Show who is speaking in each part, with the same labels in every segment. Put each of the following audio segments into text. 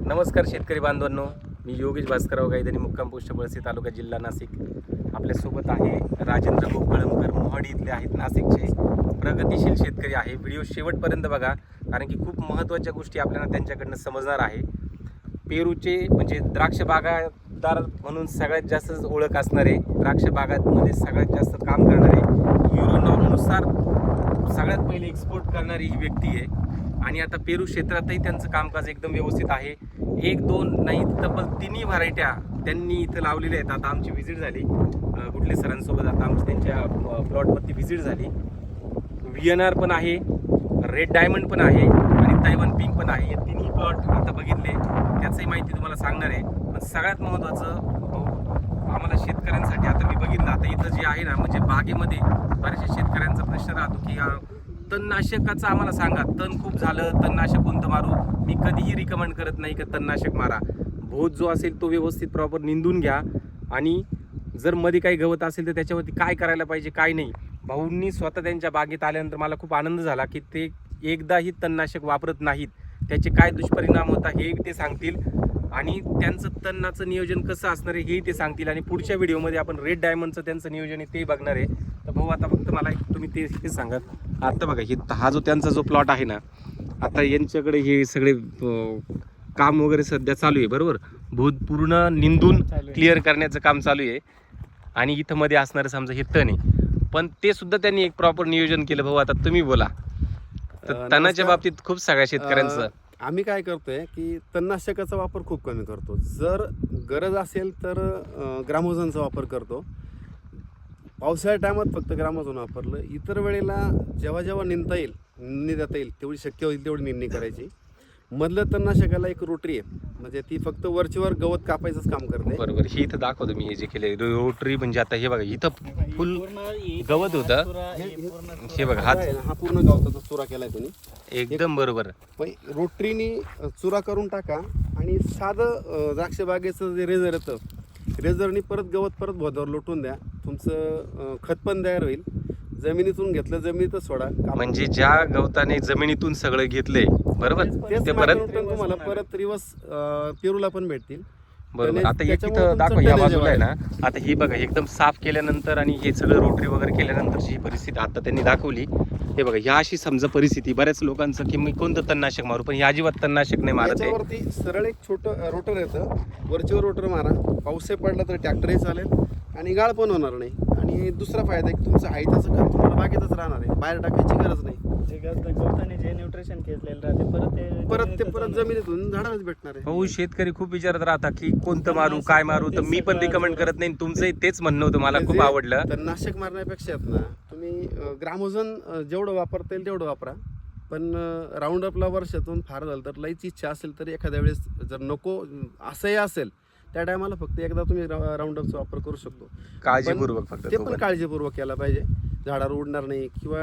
Speaker 1: नमस्कार शेतकरी बांधवांनो, मी योगेश भास्करराव गायधनी, मुक्काम पोस्ट पळसी, तालुका जिल्हा नाशिक. आपल्यासोबत आहे राजेंद्र गोकळमकर, मोहाडी इथले आहेत, नाशिकचे प्रगतिशील शेतकरी आहे. व्हिडिओ शेवटपर्यंत बघा, कारण की खूप महत्त्वाच्या गोष्टी आपल्याला त्यांच्याकडनं समजणार आहे. पेरूचे म्हणजे द्राक्ष बागायतदार म्हणून सगळ्यात जास्त ओळख असणारे, द्राक्ष बागांमध्ये सगळ्यात जास्त काम करणारे, युरो नॉर्मनुसार सगळ्यात पहिले एक्सपोर्ट करणारी ही व्यक्ती आहे. आणि आता पेरू क्षेत्रातही त्यांचं कामकाज एकदम व्यवस्थित आहे. एक दोन नाही तब्बल तिन्ही व्हरायट्या त्यांनी इथं लावलेल्या आहेत. आता आमची व्हिजिट झाली गुटले सरांसोबत, आता आमची त्यांच्या प्लॉटवरती व्हिजिट झाली. VNR पण आहे, रेड डायमंड पण आहे आणि तैवान पिंक पण आहे. हे तिन्ही प्लॉट आता बघितले, त्याचंही माहिती तुम्हाला सांगणार आहे. पण सगळ्यात महत्त्वाचं आम्हाला शेतकऱ्यांसाठी आता मी बघितलं, आता इथं जे आहे ना, म्हणजे बागेमध्ये बऱ्याचशा शेतकऱ्यांचा प्रश्न राहतो की तणनाशकाचं आम्हाला सांगा, तण खूप झालं, तणनाशक कोणतं मारू. मी कधीही रिकमेंड करत नाही की तणनाशक मारा. भोत जो असेल तो व्यवस्थित प्रॉपर निंदून घ्या, आणि जर मध्ये काही गवत असेल तर त्याच्यावरती काय करायला पाहिजे काय नाही. भाऊंनी स्वतः त्यांच्या बागेत आल्यानंतर मला खूप आनंद झाला की ते एकदाही तणनाशक वापरत नाहीत. त्याचे काय दुष्परिणाम होता हे ते सांगतील, आणि त्यांचं तणनाचं नियोजन कसं असणार आहे हेही ते सांगतील. आणि पुढच्या व्हिडिओमध्ये आपण रेड डायमंडचं त्यांचं नियोजन आहे ते बघणार आहे. तर भाऊ आता फक्त मला तुम्ही ते सांगा. आता बघा, हा जो त्यांचा जो प्लॉट आहे ना, आता यांच्याकडे हे सगळे काम वगैरे सध्या चालू आहे, बरोबर. भूत पूर्ण निंदून क्लिअर करण्याचं काम चालू आहे. आणि इथं मध्ये असणारं समजा हे तण आहे, पण ते सुद्धा त्यांनी एक प्रॉपर नियोजन केलं. भाऊ आता तुम्ही बोला. तर तणाच्या बाबतीत खूप सगळ्या शेतकऱ्यांचं
Speaker 2: आम्ही काय करतोय की तणनाशकाचा वापर खूप कमी करतो. जर गरज असेल तर ग्रामोझनचा वापर करतो. पावसाळ्या टायमात फक्त ग्रामोझन वापरलं. इतर वेळेला जेव्हा जेव्हा निंदता येईल, निंदणी देता येईल, तेवढी शक्य होईल तेवढी निंदणी करायची. मधलं तणनाशकाला एक रोटरी आहे, म्हणजे ती फक्त वरचीवर गवत कापायचंच काम करते.
Speaker 1: बरोबर. ही इथं दाखवतो मी, हे जे केले रोटरी, म्हणजे आता हे बघा इथं फुल गवत होतं. हे बघा
Speaker 2: हा पूर्ण गवताचा चुरा केलाय तुम्ही,
Speaker 1: एकदम बरोबर.
Speaker 2: रोटरीनी चुरा करून टाका, आणि साधं द्राक्ष बागेचं जे रेझर येतं, रेझरनी परत गवत परत भोदावर लोटून द्या. तुमचं खत पण तयार होईल. जमिनीतून घेतलं जमिनीतच सोडा,
Speaker 1: म्हणजे ज्या गवताने जमिनीतून सगळं घेतलंय, बरोबर, ते परत
Speaker 2: तुम्हाला परत रिवर्स पेरूला पण भेटतील.
Speaker 1: बरोबर. आता एक इथं दाखवा, या बाजूला आहे ना, आता ही बघा एकदम साफ केल्यानंतर आणि हे सगळं रोटरी वगैरे केल्यानंतरची ही परिस्थिती आता त्यांनी दाखवली. हे बघा, ह्या अशी समजा परिस्थिती बऱ्याच लोकांचं की मी कोणतं तणनाशक मारू, पण हे अजिबात तणनाशक नाही मारत आहे.
Speaker 2: वरती सरळ एक छोटं रोटर येतं, वरचीवर रोटर मारा. पाऊस पडला तर ट्रॅक्टरही चालेल आणि गाळ पण होणार नाही. आणि दुसरा फायदा आहे की तुमचं हायताचं खत तुम्हाला बागेतच राहणार आहे, बाहेर टाकायची गरज नाही.
Speaker 3: जे न्यूट्रिशन घेतलेलं राहते
Speaker 2: परत जमिनीतून झाडालाच भेटणार आहे.
Speaker 1: हो, शेतकरी खूप विचारत राहतात की कोणतं मारू काय मारू, तर मी पण रिकमेंड करत नाही. तुमचंही तेच म्हणणं होतं, मला खूप आवडलं.
Speaker 2: तर नाशक मारण्यापेक्षा ना तुम्ही ग्रामोझन जेवढं वापरता येईल तेवढं वापरा. पण राऊंड अपला वर्षातून फार झालं तर लईच इच्छा असेल तर एखाद्या वेळेस जर नको असंही असेल त्या टायमाला फक्त एकदा तुम्ही राऊंड अपचा वापर करू शकतो,
Speaker 1: काळजीपूर्वक. फक्त
Speaker 2: ते पण काळजीपूर्वक केला पाहिजे, झाडावर उडणार नाही. किंवा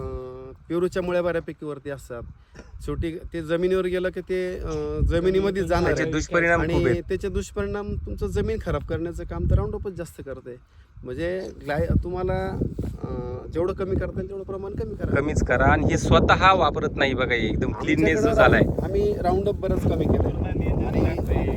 Speaker 2: पेरूच्या मुळ्या बऱ्यापैकी असतात, शेवटी ते जमिनीवर गेलं की ते जमिनीमध्ये जाणार आहे.
Speaker 1: दुष्परिणाम
Speaker 2: आणि त्याचे दुष्परिणाम तुमचं जमीन खराब करण्याचं काम तर राऊंड अपच जास्त करते. म्हणजे तुम्हाला जेवढं कमी करता येईल तेवढं प्रमाण कमीच करा.
Speaker 1: आणि हे स्वतः वापरत नाही बघा, एकदम क्लीननेस जो झालाय.
Speaker 2: आम्ही राऊंड अप बरंच कमी केलं, आणि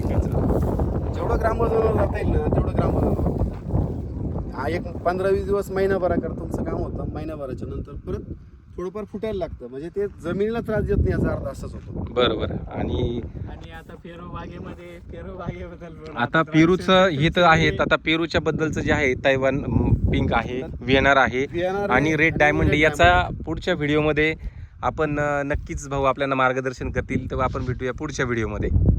Speaker 2: जेवढं ग्रामोझोनवर जाता येईल ना तेवढं ग्रामोझोन. हा एक 15-20 दिवस महिनाभराकर तुमचं काम होतं. महिनाभराच्या नंतर परत थोडंफार फुटायला लागतं, म्हणजे ते जमिनीला त्रास देत नाही, याचा अर्थ असाच होतो.
Speaker 1: बरोबर. आणि
Speaker 3: आता पेरू बागेबद्दल
Speaker 1: आता पेरूचं हे तर आहेत. आता पेरूच्या बद्दलचं जे आहे, तैवान पिंक आहे, VNR आहे आणि रेड डायमंड. याचा पुढच्या व्हिडिओमध्ये आपण नक्कीच भाऊ आपल्याला मार्गदर्शन करतील, तेव्हा आपण भेटूया पुढच्या व्हिडिओमध्ये.